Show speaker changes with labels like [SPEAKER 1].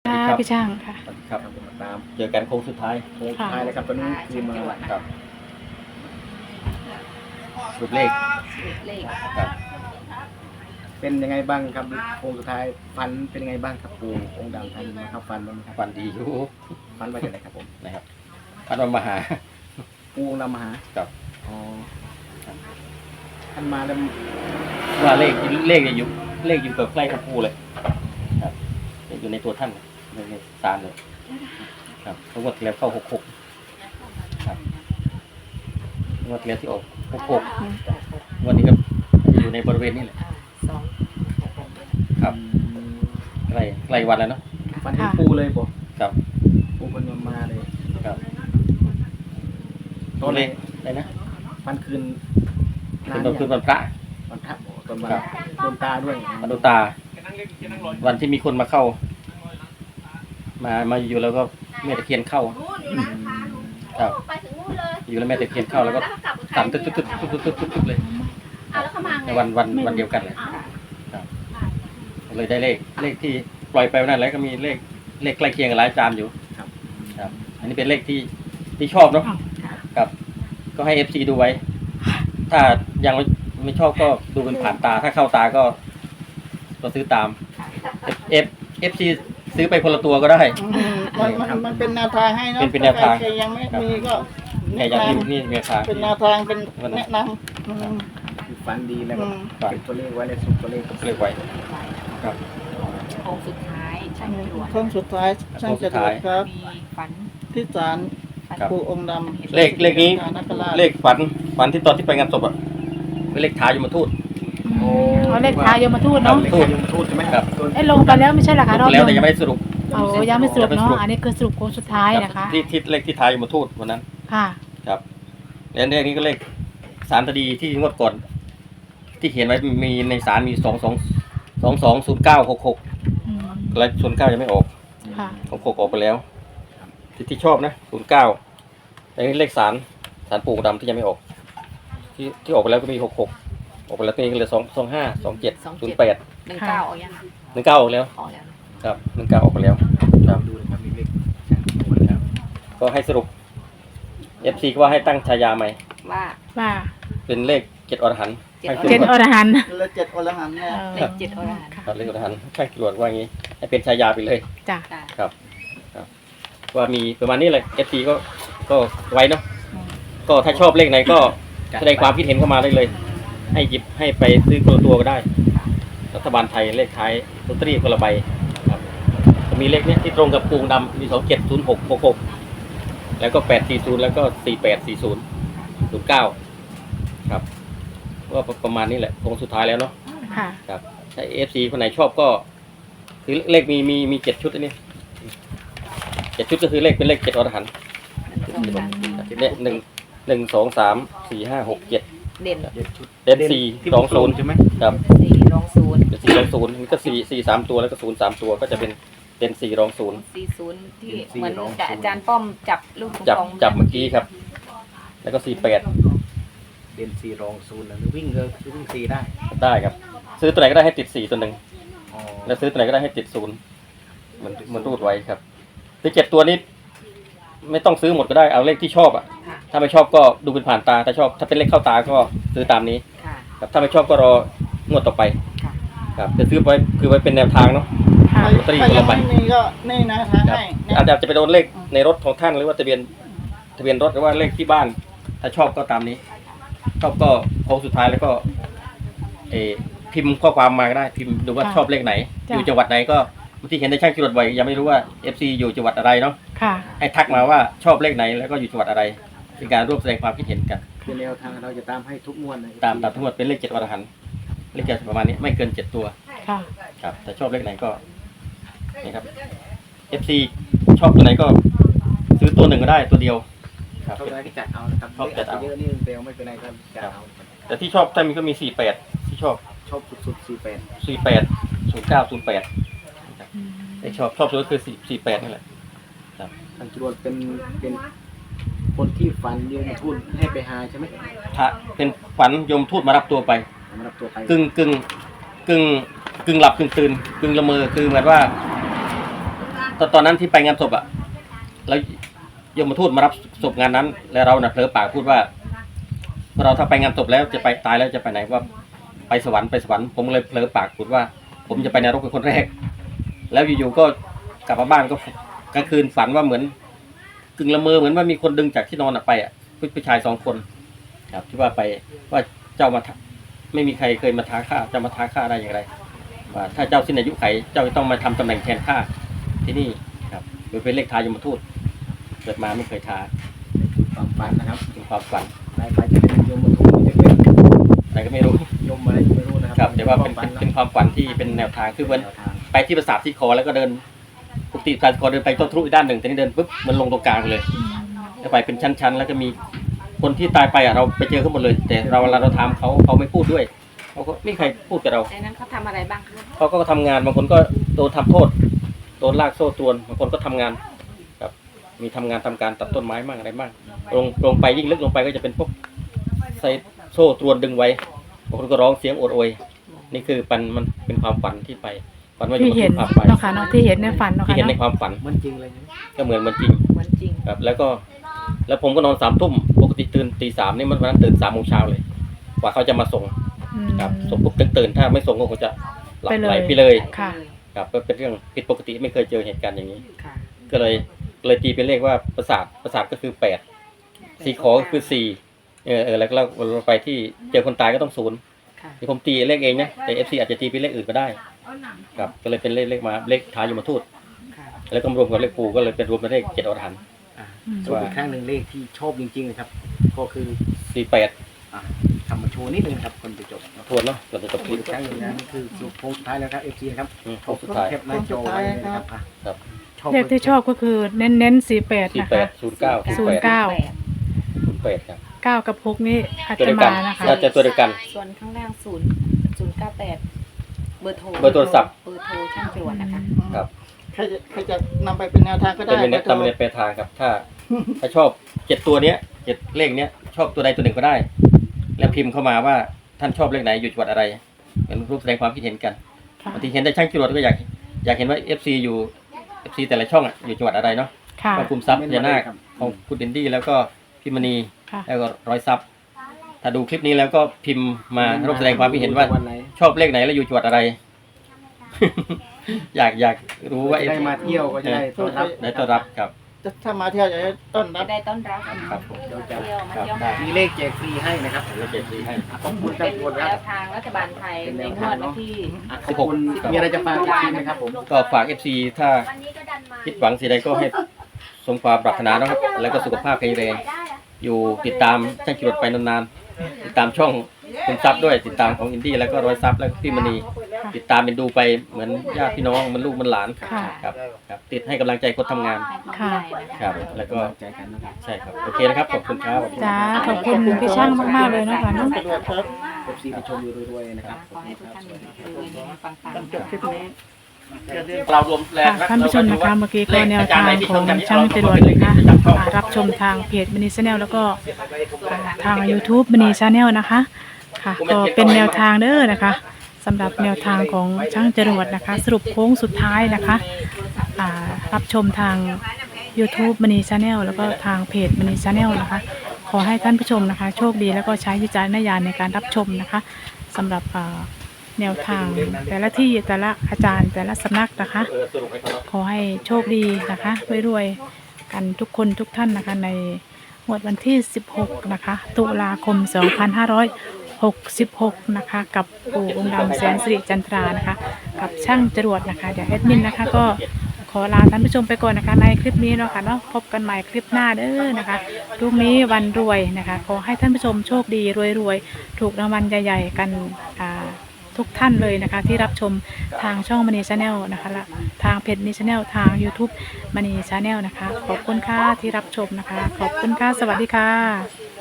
[SPEAKER 1] ครับ
[SPEAKER 2] พี่ช่างค่ะ
[SPEAKER 1] สวัสดีครับตามเจอกันโค้งสุดท้ายแล้วครับตอนนี้คือมาครับสุดเลขครับเป็นยังไงบ้างครับโค้งสุดท้ายฟันเป็นยังไงบ้างครับปู่องค์ดำท่านมาเข้าฟันบ้างไหมครับ
[SPEAKER 3] ฝันดีอยู่
[SPEAKER 1] ฟันมาจากไหนครับผม
[SPEAKER 3] นะครับฝันว่ามาหา
[SPEAKER 1] ปู่องค์ดำมาหา
[SPEAKER 3] กับ
[SPEAKER 1] อ๋อท่านมาแล้ว
[SPEAKER 3] ว่าเลขเนี่ยอยู่เลขอยู่กับใกล้กับปูเลยครับอยู่ในตัวท่านในศาลเลยครับทั้งหมดแล้วเข้า66ครับงวดแล้วที่ออก66วันนี้ก็อยู่ในบริเวณนี้แหละครับใกล้วันแล้วเนาะ
[SPEAKER 1] ฟันเห็นปู่เลยบ่
[SPEAKER 3] ครับ
[SPEAKER 1] ปู่คนมาเลย
[SPEAKER 3] ครับ
[SPEAKER 1] ตอน
[SPEAKER 3] เล
[SPEAKER 1] นี้
[SPEAKER 3] ขอะไรนะ
[SPEAKER 1] ฟันคืน
[SPEAKER 3] คืนวันพระ
[SPEAKER 1] วันพระบ่ตอนมา
[SPEAKER 3] ครับ
[SPEAKER 1] โดนตาด้วย
[SPEAKER 3] วันดูตา วันที่มีคนมาเข้า มาอยู่แล้วก็แม่ตะเคียนเข้าครับอยู่แล้วแม่ตะเคียนเข้าแล้วก็สั่นตึ๊ดเลยในวันเดียวกันเลยครับเลยได้เลขที่ปล่อยไปวันนั้นแล้วก็มีเลขใกล้เคียงกับหลายอาจารย์อยู่ครับอันนี้เป็นเลขที่ชอบเนาะครับก็ให้ FC ดูไว้ ถ้ายังไม่ชอบก็ดูเป็นผ่านตาถ้าเข้าตาก็ซื้อตาม FC ซื้อไปคนละตัวก็ได้
[SPEAKER 4] มันเป็นแนวทางให้เนาะ
[SPEAKER 3] เป็นแนวทาง
[SPEAKER 4] ใครยังไม่มีก็
[SPEAKER 3] แค่อยากดูนี่เมียค้า
[SPEAKER 4] เป็นแนวทางเป็นแนะนำ
[SPEAKER 1] คือฟันดีแล้วก็เก็บตัวเลขไว้ในสุดตัวเลข
[SPEAKER 3] เรียกไว้ครับ
[SPEAKER 5] โค้งสุดท้ายช่างจรวด
[SPEAKER 4] โค้งสุดท้ายช่างจรวดครับ
[SPEAKER 5] มีฝัน
[SPEAKER 4] ที่ศาล
[SPEAKER 3] ครับ
[SPEAKER 4] ปู่องค์ดำ
[SPEAKER 3] เลขนี้
[SPEAKER 4] นักราช
[SPEAKER 3] เลขฝันที่ตอนที่ไปงานศพอ่ะเป็นเลขท้ายยมทูต
[SPEAKER 2] เขาเลขท้ายยมทูตเนาะ
[SPEAKER 1] เลขยมทูตใช่ไหม
[SPEAKER 3] ครับ
[SPEAKER 2] ลงไปแล้วไม่ใช่เหรอคะรอบ
[SPEAKER 3] แล้ว
[SPEAKER 2] นึ
[SPEAKER 3] แต่
[SPEAKER 2] ง
[SPEAKER 3] ยังไม่ได้สรุป
[SPEAKER 2] โอ้ยังไม่สรุปเนาะอันนี้คือสรุปโค้งสุดท้ายนะคะ
[SPEAKER 3] ที่เลขที่ท้ายยมทูตวันนั้น
[SPEAKER 2] ค่ะ
[SPEAKER 3] ครับแล้วเลขนี้ก็เลขสารคดีที่งวดก่อน ที่เขียนไว้มีในสารมี220966
[SPEAKER 2] อืม
[SPEAKER 3] และ09ยังไม่ออก
[SPEAKER 2] ค่ะ
[SPEAKER 3] 66ออกไปแล้ว ที่ชอบนะ09แต่นี่เลขสารปู่ดำที่ยังไม่ออก ที่ออกไปแล้วก็มี66ออกไปแล้วก็มีเหลือ25 27 08
[SPEAKER 5] 19ออกยัง
[SPEAKER 3] 19ออกแล้ว
[SPEAKER 5] ออกแล้ว
[SPEAKER 3] ครับ19ออกไปแล้วครับ
[SPEAKER 1] ดูเลยครับมีเลข
[SPEAKER 3] ครับก็ให้สรุป FC ก็ว่าให้ตั้งฉายาใหม่
[SPEAKER 5] ว่า
[SPEAKER 2] ว่า
[SPEAKER 3] เป็นเลข7อรหันต์
[SPEAKER 5] เจ็ด
[SPEAKER 3] ให้
[SPEAKER 2] เจนอรหันต์
[SPEAKER 4] และเจ็ดอรหันต์เนี่ย
[SPEAKER 5] เลข7อรหันต์
[SPEAKER 3] ครับเลขอรหันต์ข้างจรวดว่าอย่างนี้ให้เป็นฉายาไปเลย
[SPEAKER 2] จ้ะ
[SPEAKER 5] ค่ะ
[SPEAKER 3] ครับว่ามีประมาณนี้เลย FC ก็ไว้เนาะก็ถ้าชอบเลขไหนก็แสดงความคิดเห็นเข้ามาได้เลย ให้หยิบให้ไปซื้อคนละตัวก็ได้รัฐบาลไทยเลขท้ายลอตเตอรี่คนละใบครับก็มีเลขเนี้ยที่ตรงกับปูงดำมี270666แล้วก็840แล้วก็484009ครับว่าประมาณนี้แหละคงสุดท้ายแล้วเนาะ
[SPEAKER 2] ค่ะ
[SPEAKER 3] ครับถ้า FC คนไหนชอบก็คือเลขมี7ชุดอันนี้7ชุดก็คือเลขเป็นเลข7อรหันต์ เนี่ย1 2 3 4 5 6 7
[SPEAKER 5] เด่น
[SPEAKER 3] เด่น4 2 0
[SPEAKER 1] ใช่ไหม
[SPEAKER 3] ครับ
[SPEAKER 5] 4รองศูนย์
[SPEAKER 3] เด่น4 2 0นี่ก็4 3ตัวแล้วก็0 3ตัวก็จะเป็นเด่น4 2 0
[SPEAKER 5] 40ที่เหมือนกับอาจารย์ป้อมจับลูกปิงปอง
[SPEAKER 3] จับเมื่อกี้ครับ แล้วก็48
[SPEAKER 1] เด่น4รอง0นะหรือวิ่งก็วิ่ง4ได้
[SPEAKER 3] ได้ครับ ซื้อตัวไหนก็ได้ให้ติด4ตัวหนึ่ง
[SPEAKER 1] อ๋อ
[SPEAKER 3] แล้วซื้อตัวไหนก็ได้ให้ติด0มันรูดไว้ครับที่7ตัวนี้ไม่ต้องซื้อหมดก็ได้เอาเลขที่ชอบอ่ะ
[SPEAKER 5] ค่ะ
[SPEAKER 3] ถ้าไม่ชอบก็ดูเป็นผ่านตาถ้าชอบถ้าเป็นเลขเข้าตาก็ซื้อตามนี้
[SPEAKER 5] ค่ะ
[SPEAKER 3] ครับถ้าไม่ชอบก็รองวดต่อไป
[SPEAKER 5] ค่ะ
[SPEAKER 3] ครับจะซื้อไว้คือไว้เป็นแนวทางเนาะ
[SPEAKER 2] ค่ะ
[SPEAKER 3] ลอตเตอรี่
[SPEAKER 4] ใคร
[SPEAKER 3] คน
[SPEAKER 4] ยั
[SPEAKER 3] ละ
[SPEAKER 4] ง
[SPEAKER 3] ใบ
[SPEAKER 4] ไม่มีก็นี่นะทาง
[SPEAKER 3] ครับ
[SPEAKER 4] ให้นะ
[SPEAKER 3] อาจจะไปโดนเลขในรถของท่านหรือว่าทะเบียนรถหรือว่าเลขที่บ้าน ถ้าชอบก็ตามนี้ ชอบก็โค้งสุดท้ายแล้วก็พิมพ์ข้อความมาก็ได้พิมพ์ดูว่าชอบเลขไหน อยู่จังหวัดไหนก็บางทีเห็นในช่างจรวดบ่อยยังไม่รู้ว่า FC อยู่จังหวัดอะไรเนาะ
[SPEAKER 2] ค่ะ
[SPEAKER 3] ให้ทักมาว่าชอบเลขไหนแล้วก็อยู่จังหวัดอะไรเป็นการร่วมแสดงความคิดเห็นกัน
[SPEAKER 1] คือแนวทางเราจะตามให้ทุกงวดนะ
[SPEAKER 3] ตามทั้งหมดเป็นเลข7อรหันต์เลข7ประมาณนี้ไม่เกิน7ตัว
[SPEAKER 2] ค่ะ
[SPEAKER 3] ครับถ้าชอบเลขไหนก็นี่ครับ FC ชอบตัวไหนก็ซื้อตัวหนึ่งก็ได้ตัวเดียวครับ
[SPEAKER 1] ชอบอะไรก็จัดเอานะครับ
[SPEAKER 3] ชอบจัดเอา
[SPEAKER 1] เยอะนี่เร็วไม่เป็นไรก็จัดเอา
[SPEAKER 3] แต่ที่ชอบถ้ามีก็มี48ที่ชอบ
[SPEAKER 1] ชอบสุดๆ48
[SPEAKER 3] 48 09 08ไอชอบสุดก็คือ48นี่แหละ
[SPEAKER 1] ทางจรวดเป็นคนที่ฝันยืนทุนให้ไปหาใช่ไหม
[SPEAKER 3] ถ้าเป็นฝันยมทูตมารับตัวไป
[SPEAKER 1] มารับตัวไป
[SPEAKER 3] กึ่งหลับกึ่งตื่นกึ่งละเมอคือเหมือนว่าตอนนั้นที่ไปงานศพอะแล้วยมทูตมารับศพงานนั้น แล้วเราเผลอปากพูดว่าเราถ้าไปงานศพแล้วจะไปตายแล้วจะไปไหนว่าไปสวรรค์ผมเลยเผลอปากพูดว่า ผมจะไปนรกเป็นคนแรก แล้วอยู่ๆก็กลับมาบ้านก็กลางคืนฝันว่าเหมือนกึ่งละเมอเหมือนว่ามีคนดึงจากที่นอนไปอ่ะผู้ชาย2 คนครับที่ว่าไปว่าเจ้ามาไม่มีใครเคยมาท้าข้าจะมาท้าข้าได้อย่างไรว่าถ้าเจ้าสิ้นอายุไขเจ้าจะต้องมาทำตำแหน่งแทนข้าที่นี่ครับโดยเป็นเลขทายมทูตเกิดมาไม่เคยท้า
[SPEAKER 1] ความฝันนะครับ
[SPEAKER 3] เป็นความฝัน
[SPEAKER 1] ไปจะเป็นโยมมาทุกจะเป็น
[SPEAKER 3] อะไรก็ไม่รู้
[SPEAKER 1] โยมอะไรไม่รู้นะค
[SPEAKER 3] ครั
[SPEAKER 1] รั
[SPEAKER 3] บบ แต่ว่าเป็นความฝันที่เป็นแนวทางคือเหมือน
[SPEAKER 1] แนวทาง
[SPEAKER 3] ไปที่ปราสาทที่คอแล้วก็เดินปกติการคอเดินไปต้นทะลุอีกด้านหนึ่งแต่นี่เดินปุ๊บมันลงตรงกลางเลย แล้วไปเป็นชั้นๆ แล้วก็มีคนที่ตายไปอ่ะเราไปเจอเขาหมดเลย แต่เวลาเราถามเขาไม่พูดด้วยเขาก็ไม่มีใครพูดกับเรา
[SPEAKER 5] ในนั้นเขาทำอะไรบ้างคะ
[SPEAKER 3] เขาก็ทำงานบางคนก็โดนทำโทษโดนลากโซ่ตรวนบางคนก็ทำงานครับมีทำงานทำการตัดต้นไม้บ้างอะไรบ้างลงไปยิ่งลึกลงไปก็จะเป็นพวกใส่โซ่ตรวนดึงไว้บางคนก็ร้องเสียงโอดโอยนี่คือมันเป็นความฝันที่ไปฝันว่าจะ
[SPEAKER 2] ที่
[SPEAKER 3] มา
[SPEAKER 2] เห็น
[SPEAKER 3] พาไป
[SPEAKER 2] เนาะค่ะเนาะที่เห็นในฝันเนาะ
[SPEAKER 3] ที่
[SPEAKER 2] ค่ะ
[SPEAKER 3] เห็นใน
[SPEAKER 2] เนาะ
[SPEAKER 3] ความฝัน
[SPEAKER 1] เหมันจริงเลยนะ
[SPEAKER 3] ก็เหมือนมันจริง
[SPEAKER 5] เหมือนจริง
[SPEAKER 3] ครับแล้วผมก็นอน3 ทุ่มปกติตื่นตี 3นี่มันวันนั้นตื่น3 โมงเช้าเลยกว่าเขาจะมาส่ง
[SPEAKER 2] อืม
[SPEAKER 3] ครับส่งปุ๊บตื่นถ้าไม่ส่งก็คงจะหลับ
[SPEAKER 2] ไปเลย
[SPEAKER 3] ไหลไปเลย
[SPEAKER 2] ค่ะ
[SPEAKER 3] ครับก็เป็นเรื่องผิดปกติไม่เคยเจอเหตุการณ์อย่างนี้
[SPEAKER 5] ค่ะ
[SPEAKER 3] ก็เลยตีเป็นเลขว่าประสาทก็คือ8 4 ขอก็คือ4แล้วก็เราไปที่เจอคนตายก็ต้อง0
[SPEAKER 5] ค่ะ
[SPEAKER 3] ที่ผมตีเลขเองนะแต่ FC อาจจะตีเป็นเลขอื่นก็ได้ครับก็เลยเป็นเลขมาเลขท้ายยมทูต
[SPEAKER 5] ค่ะ
[SPEAKER 3] แล้วก็รวมกับเลขปู่ก็เลยเป็นรวมเป็นเลข7 อรหันต์
[SPEAKER 1] สรุปอีกครั้งหนึ่งเลขที่ชอบจริงๆนะครับ ก็คือ
[SPEAKER 3] 48
[SPEAKER 1] ทำมาโชว์นิดนึงครับคนไปจบ
[SPEAKER 3] ทวนเนาะเราจะจบค
[SPEAKER 1] อี
[SPEAKER 3] ลิป
[SPEAKER 1] กครั้งหนึ่งนะนี่คือสรุปโค้งสุดท้ายแล้วครับ FC นะครับ
[SPEAKER 3] โค้งสุดท้าย
[SPEAKER 1] แคปหน้าจอไว้เลยนะครับอ่ะ
[SPEAKER 3] ครับ
[SPEAKER 2] เลขที่ชอบก็คือเน้น48นะคะ
[SPEAKER 3] 48 09 08ครับ
[SPEAKER 2] 9 กับ 6นี่อาจ
[SPEAKER 3] ตัว
[SPEAKER 2] จะ
[SPEAKER 3] เดียวกั
[SPEAKER 2] มาน นะคะ
[SPEAKER 3] น่าจะตัวเดียวกัน
[SPEAKER 5] ส่วนข้างล่าง098เบอร์โทร
[SPEAKER 3] เบอร์โทรศัพท์
[SPEAKER 5] เบอร์โทรช่างจรวดนะคะ
[SPEAKER 3] ครับ
[SPEAKER 4] ใครจะนำไปเป็นแนวทางก็ได้
[SPEAKER 3] เป็นเน็ตตามเน็ตไปทางครับ ถ้าชอบ7 ตัวเนี้ย7 เลขเนี้ยชอบตัวใดตัวหนึ่งก็ได้ แล้วพิมพ์เข้ามาว่าท่านชอบเลขไหนอยู่จังหวัดอะไรเป็นรูปแสดงความคิดเห็นกัน
[SPEAKER 2] ค่ะ
[SPEAKER 3] บางทีเห็นได้ช่างจรวดก็อยากเห็นว่า FC อยู่ FC แต่ละช่องอ่ะอยู่จังหวัดอะไรเนาะ
[SPEAKER 2] ค่ะ
[SPEAKER 3] ของคุมทรัพย์พญานาคของคุณดินดี้แล้วก็พี่มณี
[SPEAKER 2] ค่ะ
[SPEAKER 3] แล้วก็ร้อยทรัพย์ ถ้าดูคลิปนี้แล้วก็พิมพ์มาร่วมแสดงความคิดเห็นว่า
[SPEAKER 1] วันไหน
[SPEAKER 3] ชอบเลขไหนและอยู่จังหวัดอะไร อยากรู้ว่า
[SPEAKER 1] จะได้มาเที่ยวก็จะได้ต้อนรับ
[SPEAKER 3] ได้ต้อนรับครับ
[SPEAKER 4] ถ้ามาเที่ยวจะได้ต้อนรั
[SPEAKER 5] จะ
[SPEAKER 4] บ
[SPEAKER 5] ได้ต้อนรับ
[SPEAKER 3] ครับผม
[SPEAKER 5] เที่ยวมาเที่ยว
[SPEAKER 3] ครับ
[SPEAKER 1] มีเลขแจกฟรีให้นะครับ
[SPEAKER 3] แล้วเจ็ดสีให้
[SPEAKER 1] ขอบคุณครั
[SPEAKER 5] เป็
[SPEAKER 1] บ
[SPEAKER 5] น
[SPEAKER 1] ทุกคน
[SPEAKER 5] แน
[SPEAKER 1] ครับ
[SPEAKER 5] วทางรัฐบาลไทยในงวดวันที่
[SPEAKER 1] ขอบคุณมีอะไรจะฝากอีกทีไหมครับผม
[SPEAKER 3] ก็ฝาก FC ถ้าคิดหวังสิ่งใดก็ให้สมความปรารถนานะครับ แล้วก็สุขภาพแข็งแรงอยู่ติดตามช่างจรวดไปนานๆติดตามช่องคุณทรัพย์ด้วยติดตามของอินดี้แล้วก็ร้อยทรัพย์แล้วก็พี่มณีติดตามเป็นดูไปเหมือนญาติพี่น้องเหมือนลูกเหมือนหลาน
[SPEAKER 2] ค่ะ
[SPEAKER 3] ครับติดให้กำลังใจคนทำงาน
[SPEAKER 2] ค่ะ
[SPEAKER 3] ครับแล้วก็
[SPEAKER 1] ใจกันนะครับ
[SPEAKER 3] ใช่ครับโอเคนะครับขอบคุณครับ
[SPEAKER 2] จ้าขอบคุณพี่ช่างมากๆเลยเนาะค่ะเนาะ
[SPEAKER 4] สะดวกครับ
[SPEAKER 1] FC ที่ชมอยู่รวยๆนะครับ
[SPEAKER 5] ขอให้ทุกท่านรวยๆปัง
[SPEAKER 4] จบคลิปนี้อย่าลืม
[SPEAKER 3] เรารวมแรง
[SPEAKER 2] ค่ะท่านผู้ชมนะคะเมื่อกี้ก็แนวทางของช่างจรวดนะคะรับชมทางเพจมินิชาแนลแล้วก็ทาง YouTube มินิชาแนลนะคะค่ะก็เป็นแนวทางเด้อนะคะสำหรับแนวทางของช่างจรวดนะคะ สรุปโค้งสุดท้ายนะคะรับชมทาง YouTube มินิชาแนลแล้วก็ทางเพจมินิชาแนลนะคะขอให้ท่านผู้ชมนะคะโชคดีแล้วก็ใช้วิจารณญาณในการรับชมนะคะสำหรับแนวทางแต่ละที่แต่ละอาจารย์แต่ละสำนักนะคะ
[SPEAKER 3] สรุปให้เขา
[SPEAKER 2] ขอให้โชคดีนะคะรวยๆกันทุกคนทุกท่านนะคะในงวดวันที่ 16 นะคะ ตุลาคม 2566 นะคะ กับปู่องค์ดำแสนสิริจันทรานะคะ กับช่างจรวดนะคะ เดี๋ยวแอดมินนะคะก็ขอลาท่านผู้ชมไปก่อนนะคะในคลิปนี้เนาะค่ะเนาะพบกันใหม่คลิปหน้าเด้อนะคะพรุ่งนี้วันรวยนะคะ ขอให้ท่านผู้ชมโชคดีรวยๆถูกรางวัลใหญ่ๆกันทุกท่านเลยนะคะที่รับชมทางช่องมณีชาแนลนะคะและทางเพจมณีชาแนลทาง YouTube มณีชาแนลนะคะขอบคุณค่ะที่รับชมนะคะขอบคุณค่ะสวัสดีค่ะ